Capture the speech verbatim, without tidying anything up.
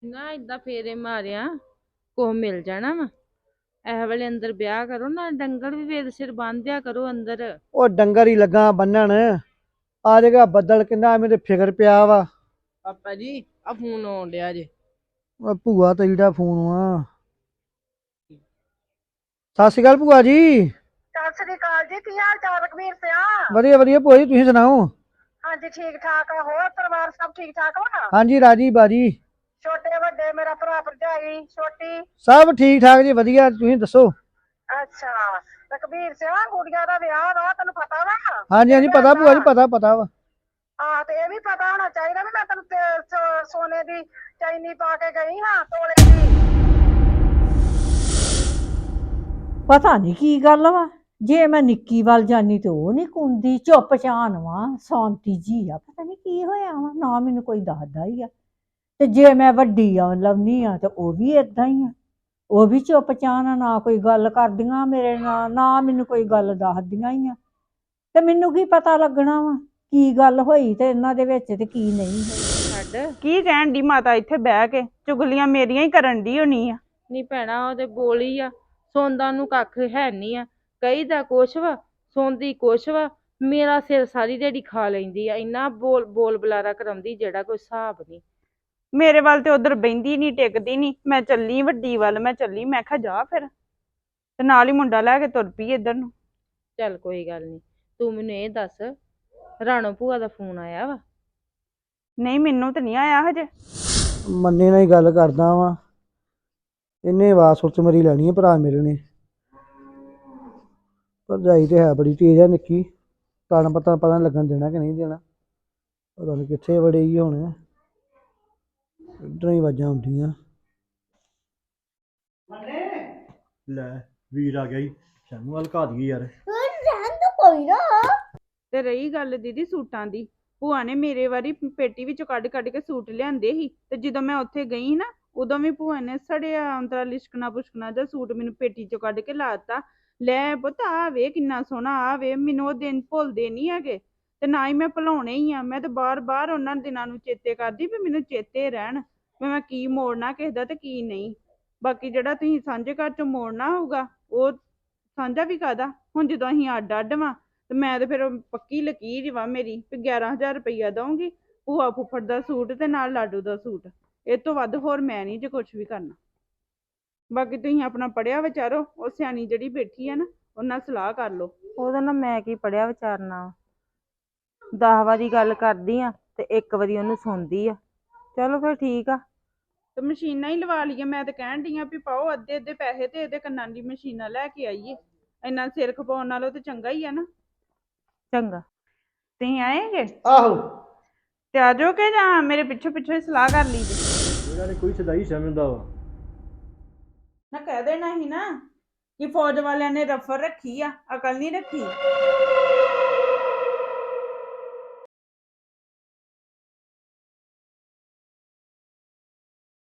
ਨਾ ਏਦਾਂ ਫੇਰੇ ਮਾਰਿਆ ਕੁਛ ਮਿਲ ਜਾਣਾ ਵਾ। ਇਹ ਵੇਲੇ ਅੰਦਰ ਵਿਆਹ ਕਰੋ ਨਾ, ਡੰਗਰ ਵੀ ਵੇਦ ਸਿਰ ਬੰਨ੍ਹਿਆ ਕਰੋ ਅੰਦਰ। ਉਹ ਡੰਗਰ ਹੀ ਲੱਗਾ ਬੰਨਣ। ਆ ਜਾਏਗਾ ਬੱਦਲ ਕਿੰਨਾ ਮੈਨੂੰ ਫਿਕਰ ਪਿਆ ਵਾ। ਪਾਪਾ ਜੀ ਆ ਫੋਨ ਆਉਣ ਡਿਆ ਜੇ। ਉਹ ਭੂਆ ਤੇਰੀ ਦਾ ਫੋਨ ਵਾ। ਸਤਿ ਸ਼੍ਰੀ ਅਕਾਲ ਭੂਆ ਜੀ। ਸਤਿ ਸ੍ਰੀ ਅਕਾਲ ਜੀ। ਕੀ ਹਾਲ ਚਾਲ ਰਘਵੀਰ ਸਿਆ? ਵਧੀਆ ਵਧੀਆ ਭੂਆ ਜੀ, ਤੁਸੀਂ ਸੁਣਾਓ? ਹਾਂਜੀ ਠੀਕ ਠਾਕ ਆ। ਹੋਰ ਪਰਿਵਾਰ ਸਭ ਠੀਕ ਠਾਕ ਵਾ? ਹਾਂਜੀ ਰਾਜੀ ਬਾਜੀ। ਛੋਟੇ ਵੱਡੇ ਮੇਰਾ ਭਰਾ ਭਰਜਾਈ ਛੋਟੀ ਸਭ ਠੀਕ ਠਾਕ ਜੀ, ਵਧੀਆ। ਤੁਸੀਂ ਦੱਸੋ? ਅੱਛਾ ਰਘਵੀਰ ਸਿਆ ਗੁੜੀਆ ਦਾ ਵਿਆਹ ਵਾ, ਤੈਨੂੰ ਪਤਾ ਵਾ? ਹਾਂਜੀ ਹਾਂਜੀ ਪਤਾ ਭੂਆ ਜੀ, ਪਤਾ ਪਤਾ ਵਾ। ਆਹ ਤੇ ਇਹ ਵੀ ਪਤਾ ਹੋਣਾ ਚਾਹੀਦਾ ਵੀ ਮੈਂ ਤੈਨੂੰ ਤੇ- ਸੋ- ਸੋਨੇ ਦੀ ਚੈਨੀ ਪਾ ਕੇ ਗਈ ਹਾਂ ਤੋਲੇ ਦੀ। ਪਤਾ ਨਹੀਂ ਕੀ ਗੱਲ ਵਾ। ਜੇ ਮੈਂ ਨਿੱਕੀ ਵੱਲ ਜਾਨੀ ਤੇ ਉਹ ਨਹੀਂ ਕੁੰਦੀ, ਚੁੱਪ ਚਾਨ ਵਾ, ਸ਼ਾਂਤੀ ਜੀ ਆ। ਪਤਾ ਨਹੀਂ ਕੀ ਹੋਇਆ ਵਾ, ਨਾ ਮੈਨੂੰ ਕੋਈ ਦੱਸਦਾ ਹੀ ਆ। ਤੇ ਜੇ ਮੈਂ ਵੱਡੀ ਆ ਲਵਨੀ ਆ ਤੇ ਉਹ ਵੀ ਏਦਾਂ ਹੀ ਆ। ਉਹ ਵੀ ਚੁੱਪ ਚਾਨ ਆ, ਨਾ ਕੋਈ ਗੱਲ ਕਰਦੀਆਂ ਮੇਰੇ ਨਾਲ, ਨਾ ਮੈਨੂੰ ਕੋਈ ਗੱਲ ਦੱਸਦੀਆਂ ਹੀ ਆ। ਤੇ ਮੈਨੂੰ ਕੀ ਪਤਾ ਲੱਗਣਾ ਵਾ ਕੀ ਗੱਲ ਹੋਈ ਤੇ ਇਹਨਾਂ ਦੇ ਵਿੱਚ ਤੇ ਕੀ ਨਹੀਂ ਹੋਈ। ਛੱਡ ਕੀ ਕਹਿਣ ਦੀ ਮਾਤਾ ਇੱਥੇ ਬਹਿ ਕੇ ਚੁਗਲੀਆਂ ਮੇਰੀਆਂ ਹੀ ਕਰਨ ਦੀ ਹੋਣੀ ਆ। ਨੀ ਭੈਣਾ, ਉਹਦੇ ਬੋਲੀ ਆ। ਸੌਂਦਾ ਨੂੰ ਕੱਖ ਹੈ ਨਹੀਂ ਆ। ਕਹੀਦਾ ਕੁਛ ਵਾ, ਸੌਂਦੀ ਕੁਛ ਵਾ। ਮੇਰਾ ਸਿਰ ਸਾਰੀ ਦਿਹਾੜੀ ਖਾ ਲੈਂਦੀ ਆ। ਇੰਨਾ ਬੋਲ ਬੋਲ ਬੁਲਾਰਾ ਕਰਾਉਂਦੀ ਜਿਹੜਾ ਕੋਈ ਹਿਸਾਬ ਨਹੀਂ। ਮੇਰੇ ਵੱਲ ਤੇ ਉਧਰ ਬਹਿੰਦੀ ਨਹੀਂ, ਟਿਕਦੀ ਨਹੀਂ। ਮੈਂ ਚੱਲੀ ਵੱਡੀ ਵੱਲ, ਮੈਂ ਚੱਲੀ। ਮੈਂ ਕਿਹਾ ਜਾ ਫਿਰ, ਤੇ ਨਾਲ ਹੀ ਮੁੰਡਾ ਲੈ ਕੇ ਤੁਰ ਪਈ ਇੱਧਰ ਨੂੰ। ਚੱਲ ਕੋਈ ਗੱਲ ਨਹੀਂ, ਤੂੰ ਮੈਨੂੰ ਇਹ ਦੱਸ, ਰਾਣੋ ਭੂਆ ਦਾ ਫੋਨ ਆਇਆ ਵਾ? ਨਹੀਂ ਮੈਨੂੰ ਤਾਂ ਨਹੀਂ ਆਇਆ ਹਜੇ। ਮੰਨੇ ਨਾਲ ਹੀ ਗੱਲ ਕਰਦਾ ਵਾਂ। ਇਹਨੇ ਆਵਾਜ਼ ਸੁੱਚ ਮਰੀ ਲੈਣੀ ਹੈ ਭਰਾ ਮੇਰੇ ਨੇ। ਭਰਜਾਈ ਤੇ ਹੈ ਬੜੀ ਤੇਜ਼ ਆ ਨਿੱਕੀ। ਤੁਹਾਨੂੰ ਪਤਾ ਪਤਾ ਨੀ ਲੱਗਣ ਦੇਣਾ ਕਿ ਨਹੀਂ ਦੇਣਾ। ਪਤਾ ਨਹੀਂ ਕਿੱਥੇ ਵੜੇ ਹੀ ਹੁਣ। ਇੱਧਰੋਂ ਹੀ ਆਵਾਜ਼ਾਂ ਆਉਂਦੀਆਂ। ਲੈ ਵੀਰ ਆ ਗਿਆ ਹੀ, ਸਾਨੂੰ ਹਲਕਾ ਦਈਏ ਯਾਰ। ਤੇ ਰਹੀ ਗੱਲ ਦੀਦੀ ਸੂਟਾਂ ਦੀ, ਭੂਆ ਨੇ ਮੇਰੇ ਵਾਰੀ ਪੇਟੀ ਵਿੱਚੋਂ ਕੱਢ ਕੱਢ ਕੇ ਸੂਟ ਲਿਆਂਦੇ ਸੀ। ਤੇ ਜਦੋਂ ਮੈਂ ਉੱਥੇ ਗਈ ਨਾ, ਉਦੋਂ ਵੀ ਭੂਆ ਨੇ ਸੜਿਆ ਅੰਤਰਾ ਲਿਸ਼ਕਣਾ ਪੁਸ਼ਕਣਾ ਦਾ ਸੂਟ ਮੈਨੂੰ ਪੇਟੀ ਚੋਂ ਕੱਢ ਕੇ ਲਾਤਾ। ਲੈ ਪੁੱਤ ਆ ਵੇ ਕਿੰਨਾ ਸੋਹਣਾ, ਆ ਵੇ। ਮੈਨੂੰ ਉਹ ਦਿਨ ਭੁੱਲਦੇ ਨਹੀਂ ਹੈਗੇ, ਤੇ ਨਾ ਹੀ ਮੈਂ ਭੁਲਾਉਣੇ ਹੀ ਆ। ਮੈਂ ਤੇ ਬਾਰ ਬਾਰ ਉਹਨਾਂ ਦਿਨਾਂ ਨੂੰ ਚੇਤੇ ਕਰਦੀ ਵੀ ਮੈਨੂੰ ਚੇਤੇ ਰਹਿਣ, ਵੀ ਮੈਂ ਕੀ ਮੋੜਨਾ ਕਿਸੇ ਦਾ ਤੇ ਕੀ ਨਹੀਂ। ਬਾਕੀ ਜਿਹੜਾ ਤੁਸੀਂ ਸਾਂਝੇ ਘਰ ਚੋਂ ਮੋੜਨਾ ਹੋਊਗਾ, ਉਹ ਸਾਂਝਾ ਵੀ ਕਾਹਦਾ ਹੁਣ, ਜਦੋਂ ਅਸੀਂ ਅੱਡ ਅੱਡ ਵਾਂ। ਤੇ ਮੈਂ ਤੇ ਫਿਰ ਪੱਕੀ ਲਕੀਰ ਵਾ ਮੇਰੀ ਵੀ ਗਿਆਰਾਂ ਹਜ਼ਾਰ ਰੁਪਈਆ ਦਊਂਗੀ, ਭੂਆ ਫੁੱਫੜ ਦਾ ਸੂਟ ਤੇ ਨਾਲ ਲਾਡੂ ਦਾ ਸੂਟ। ਇਹ ਤੋਂ ਵੱਧ ਹੋਰ ਮੈਂ ਨਹੀਂ ਜੇ ਕੁਛ ਵੀ ਕਰਨਾ। ਬਾਕੀ ਤੁਸੀਂ ਆਪਣਾ ਪੜਿਆ ਵਿਚਾਰੋ, ਉਹ ਸਿਆਣੀ ਜਿਹੜੀ ਬੈਠੀ ਆ ਨਾ, ਉਹਨਾਂ ਸਲਾਹ ਕਰ ਲਓ। ਉਹਦਾ ਨਾ ਮੈਂ ਕੀ ਪੜਿਆ ਵਿਚਾਰਨਾ। ਦਸ ਵਾਰੀ ਗੱਲ ਕਰਦੀ ਆ ਤੇ ਇੱਕ ਵਾਰੀ ਉਹਨੂੰ ਸੁਣਦੀ ਆ। ਚਲੋ ਫਿਰ ਠੀਕ ਆ। ਤੇ ਮਸ਼ੀਨਾਂ ਹੀ ਲਵਾ ਲਈਏ। ਮੈਂ ਤਾਂ ਕਹਿਣ ਡਈ ਆ ਵੀ ਪਾਓ ਅੱਧੇ ਅੱਧੇ ਪੈਸੇ ਤੇ ਇਹਦੇ ਕੰਨਾਂ ਦੀ ਮਸ਼ੀਨਾਂ ਲੈ ਕੇ ਆਈਏ। ਇੰਨਾ ਸਿਰ ਖਪਾਉਣ ਨਾਲੋਂ ਤੇ ਚੰਗਾ ਹੀ ਆ ਨਾ। ਚੰਗਾ। ਤੁਸੀਂ ਆਏਗੇ ਆਹੋ ਤੇ ਆ ਜਾਓ ਕਿ ਜਾਂ ਮੇਰੇ ਪਿੱਛੇ ਪਿੱਛੇ ਸਲਾਹ ਕਰ ਲਈ ਜੇ? ਇਹਨਾਂ ਨੇ ਕੋਈ ਸਦਾਈ ਸਮਝਦਾ ਵਾ। ਨਾ ਕਹਿ ਦੇਣਾ ਸੀ ਨਾ ਕਿ ਫੌਜ ਵਾਲਿਆਂ ਨੇ ਰਫਲ ਰੱਖੀ ਆ, ਅਕਲ ਨਹੀਂ ਰੱਖੀ।